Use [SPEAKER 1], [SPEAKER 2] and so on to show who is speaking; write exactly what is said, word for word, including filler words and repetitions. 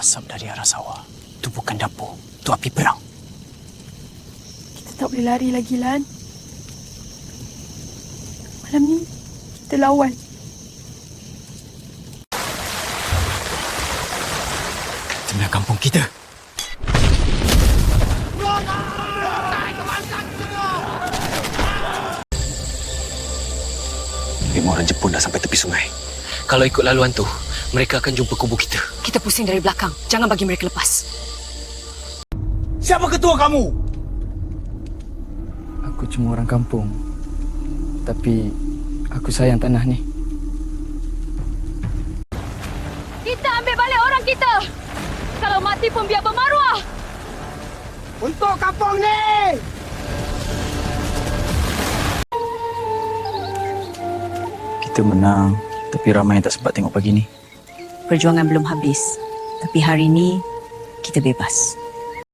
[SPEAKER 1] asap dari arah sawah. Itu bukan dapur. Itu api perang.
[SPEAKER 2] Kita tak boleh lari lagi, Lan. Malam ni, kita lawan.
[SPEAKER 1] Tengah kampung kita. Lima orang Jepun dah sampai tepi sungai. Kalau ikut laluan tu, mereka akan jumpa kubu kita.
[SPEAKER 3] Kita pusing dari belakang. Jangan bagi mereka lepas.
[SPEAKER 4] Siapa ketua kamu?
[SPEAKER 5] Aku cuma orang kampung. Tapi aku sayang tanah ni.
[SPEAKER 3] Kita ambil balik orang kita. Kalau mati pun biar bermaruah.
[SPEAKER 4] Untuk kampung ni!
[SPEAKER 1] Kita menang, tapi ramai yang tak sempat tengok pagi ni.
[SPEAKER 3] Perjuangan belum habis. Tapi hari ini, kita bebas.